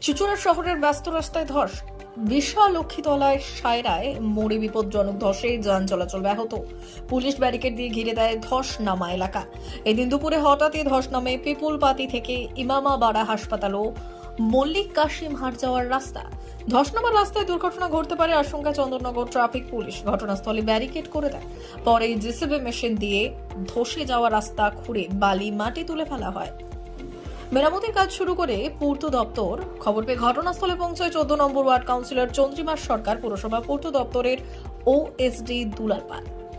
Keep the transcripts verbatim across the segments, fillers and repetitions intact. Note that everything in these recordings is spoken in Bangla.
চুচুড়া শহরের ব্যস্ত রাস্তায় ধস, বিশাল লক্ষ্মীতলায় সায়রায় মোড়ে বিপজ্জনক ধসে যান চলাচল ব্যাহত। পুলিশ ব্যারিকেড দিয়ে ঘিরে দেয় ধস নামা এলাকা। এদিন দুপুরে হঠাৎই ধস নামে পিপুলপাতি থেকে ইমামাবাড়া হাসপাতাল ও মল্লিক কাশিম হাট যাওয়ার রাস্তা। ধস নামার রাস্তায় দুর্ঘটনা ঘটতে পারে আশঙ্কা চন্দননগর ট্রাফিক পুলিশ ঘটনাস্থলে ব্যারিকেড করে দেয়। পরে জেসিবি মেশিন দিয়ে ধসে যাওয়া রাস্তা খুঁড়ে বালি মাটি তুলে ফেলা হয়। মেরামতির কাজ শুরু করে পূর্ত দপ্তর। খবর পেয়ে ঘটনাস্থলে পৌঁছায় চোদ্দ number ward councillor Chandrima Sarkar, পুরসভা পূর্ত দপ্তরের ওএসডি দুলাল পাল।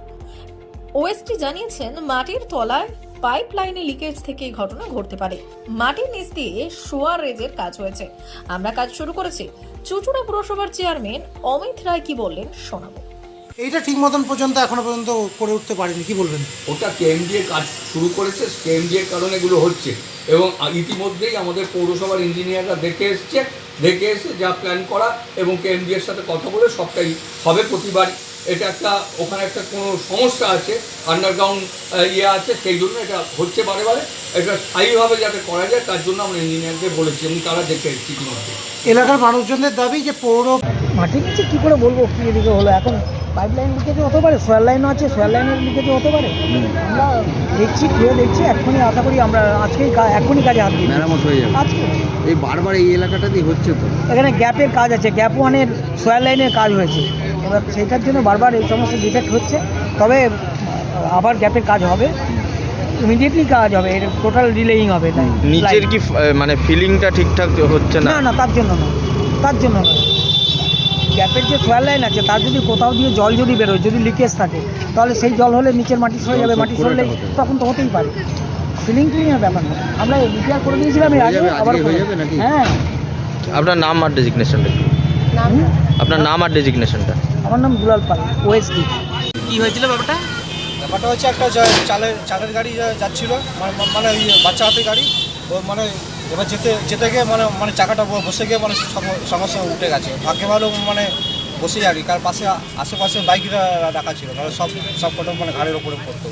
ওএসডি জানিয়েছেন, মাটির তলায় পাইপ লাইনে লিকেজ থেকে এই ঘটনা ঘটতে পারে। মাটির নিচ দিয়ে সুয়ারেজের কাজ হয়েছে, আমরা কাজ শুরু করেছি। চুচুড়া পুরসভার চেয়ারম্যান অমিত রায় কি বললেন শোনাবো। এইটা ঠিক মতন পর্যন্ত এখনো পর্যন্ত করে উঠতে পারেনি, কি বলবেন? ওটা কেএমডিএ কাজ শুরু করেছে, কেএমডিএর কারণে এগুলো হচ্ছে এবং ইতিমধ্যেই আমাদের পৌরসভার ইঞ্জিনিয়াররা দেখে এসছে দেখে এসে যা প্ল্যান করা এবং কেএমডিএর সাথে কথা বলে সবটাই হবে। প্রতিবার এটা একটা ওখানে একটা কোনো সমস্যা আছে, আন্ডারগ্রাউন্ড ইয়ে আছে, সেই জন্য এটা হচ্ছে বারে বারে। এটা স্থায়ীভাবে যাতে করা যায় তার জন্য আমরা ইঞ্জিনিয়ারকে বলেছি এবং তারা দেখে এসেছি ইতিমধ্যে। এলাকার মানুষজনদের দাবি যে পৌর মাটির নিচে কী করে বলবো কী এদিকে হলো, এখন পাইপ লাইন লিকেজও হতে পারে, সোয়ার লাইনও আছে, সোয়ার লাইনের লিকেজও হতে পারে। আমরা দেখছি, খুঁড়ে দেখছি, এখনই আশা করি আমরা আজকেই এখনই কাজে হাত দিই, মেরামত হয়ে যাবে আজকে। এই বারবার এই এলাকাটাতেই হচ্ছে তো, এখানে গ্যাপের কাজ আছে, গ্যাপ ওয়ানের সোয়ার লাইনের কাজ হয়েছে, এবার সেইটার জন্য বারবার এই সমস্ত ডিফেক্ট হচ্ছে। তবে আবার গ্যাপের কাজ হবে, ইমিডিয়েটলি কাজ হবে, এটা টোটাল ডিলেইং হবে। তাই নিচের কি মানে ফিলিংটা ঠিকঠাক হচ্ছে না? না না তার জন্য না, তার জন্য না। গ্যাপের যে সোয়ার লাইন আছে তার যদি কোথাও দিয়ে জল যদি বেরোয়, যদি লিকেজ থাকে, তাহলে সেই জল হলে নিচের মাটি সরে যাবে, মাটি সরলে তখন তো হতেই পারে। ফিলিং ক্লিনের ব্যাপার না, আমরা রিপেয়ার করে দিয়েছিলাম এর আগে, আবার হয়ে যাবে নাকি? হ্যাঁ। আপনার নাম আর ডেজিগনেশনটা? আপনার নাম আর ডেজিগনেশনটা? আমার নাম দুলাল পাল, ওএসডি। কি হয়েছিল ব্যাপারটা? ব্যাপারটা হচ্ছে একটা চালের চালের গাড়ি যাচ্ছিল, মানে ওই বাচ্চা হাতে গাড়ি, ও মানে এবার যেতে যেতে গিয়ে মানে মানে চাকাটা বসে গিয়ে মানে সমস্যা উঠে গেছে। ভাগ্যে ভালো মানে বসে যাবি, কার পাশে আশেপাশে বাইকরা রাখা ছিল, মানে সব সব কটা মানে ঘাড়ের ওপরে পড়তো।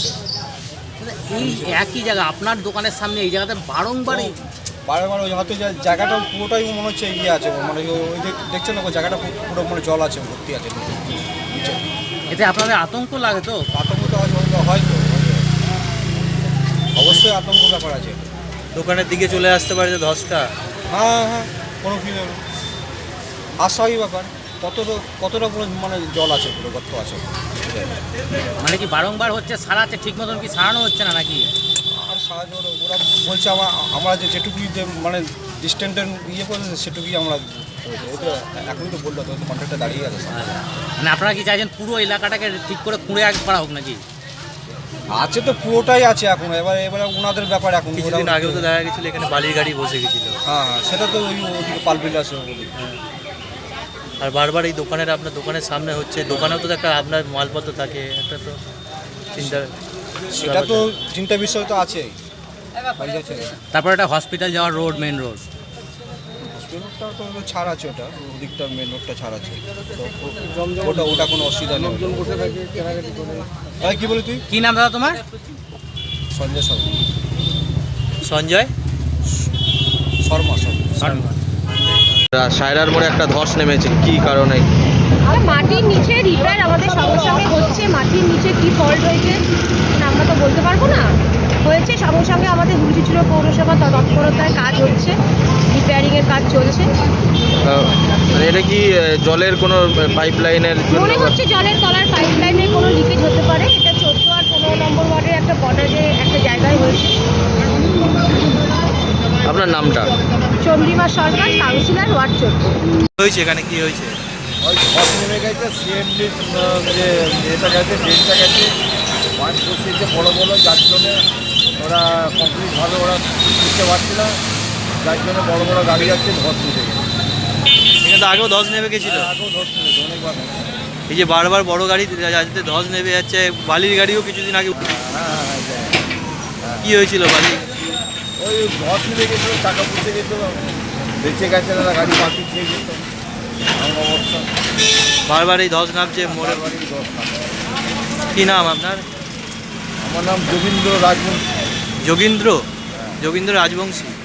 এই একই জায়গা আপনার দোকানের সামনে এই জায়গাতে বারংবার বারবার ওই হয়তো জায়গাটা পুরোটাই মনে হচ্ছে ইয়ে আছে, মানে ওই দেখছেন না, ওই জায়গাটা পুরো মানে জল আছে, ভর্তি আছে নিচে। এতে আপনাদের আতঙ্ক লাগে তো? আতঙ্ক তো হয়তো অবশ্যই আতঙ্ক ব্যাপার আছে। দোকানের দিকে চলে আসতে পারে যে ধসটা। হ্যাঁ হ্যাঁ কোনো কি আশাই ব্যাপার, কতটা কতটা পুরো মানে জল আছে, পুরো গর্ত আছে। মানে কি বারংবার হচ্ছে, সারাচ্ছে ঠিক মতন কি সারানো হচ্ছে না নাকি? আর সাহায্য ওরা বলছে আমরা আমরা যে যেটুকুই যে মানে ডিস্টেন্সের ইয়ে করেছে সেটুকুই আমরা এটা এখনই তো বললো, তো কন্ট্রাক্টটা দাঁড়িয়ে আছে। মানে আপনারা কি চাইছেন পুরো এলাকাটাকে ঠিক করে খুঁড়ে এক করা হোক নাকি? আছে তো পুরোটাই আছে এখন, এবার এবার ওনাদের ব্যাপার। এখন কিছুদিন আগেও তো দেখা গেছিলো এখানে বালির গাড়ি বসে গেছিল। হ্যাঁ হ্যাঁ সেটা তো ওই ওদিকে পালবিল আছে ওদিকে। আর বারবার এই দোকানের আপনার দোকানের সামনে হচ্ছে, দোকানেও তো একটা আপনার মালপত্র থাকে, একটা তো চিন্তা। সেটা তো চিন্তা বিষয় তো আছেই। তারপর একটা হসপিটাল যাওয়ার রোড, মেন রোড, হসপিটালটা তো ছাড় আছে, ওটা ওদিকটা মেন রোডটা ছাড় আছে, ওটা ওটা কোনো অসুবিধা নেই। কি বলি তুই? কি নাম দাদা তোমার? সঞ্জয় শর্মা। সঞ্জয় শর্মা শর্মা সায়রার মোড়ে একটা ধস নেমেছে, কি কারণে? আর মাটির নিচে রিপেয়ার আমাদের সঙ্গে সঙ্গে হচ্ছে, মাটির নিচে কি ফল্ট হয়েছে আমরা তো বলতে পারবো না, হয়েছে সঙ্গে সঙ্গে আমাদের হুলচিচুড়া পৌরসভা তৎপরতায় কাজ হচ্ছে, রিপেয়ারিংয়ের কাজ চলছে। মানে এটা কি জলের কোনো পাইপ লাইনের মনে হচ্ছে জলের তলার পাইপ লাইনের কোনো লিকেজ হতে পারে। এটা চোদ্দ আর পনেরো নম্বর ওয়ার্ডের একটা বর্ডারে একটা জায়গায় হয়েছে। আপনার নামটা? চন্দ্রিমা সরকার, কাউন্সিলর, ওয়ার্ড চোদ্দ। হয়েছে এখানে কি হয়েছে? ওই ধস নেমে গেছে, সিএমডি যে এটা গেছে ড্রেনটা গেছে, ওয়ান বসিয়েছে বড়ো বড়ো, যার জন্যে ওরা কমপ্লিট ভাবে ওরা বুঝতে পারছে না, যার জন্য বড়ো বড়ো গাড়ি যাচ্ছে, ধস নিতে গেছে। এখানে তো আগেও ধস নেমে গেছিল, আগেও ধস নেমেছে অনেকবার। এই যে বারবার বড় গাড়ি যাতে ধস নেমে যাচ্ছে, বালির গাড়িও কিছুদিন আগে। হ্যাঁ হ্যাঁ হ্যাঁ কি হয়েছিল বালি? ওই ধস নেমে গেছিলো, টাকা পুষে গেছিলো, বেঁচে গেছে না, গাড়ি পাখি খেয়ে যেত অবস্থা। বারবার এই ধস নামছে মোড়ে। বাড়ির ধস নামে। কি নাম আপনার? আমার নাম যোগীন্দ্র রাজবংশী। যোগীন্দ্র যোগীন্দ্র রাজবংশী।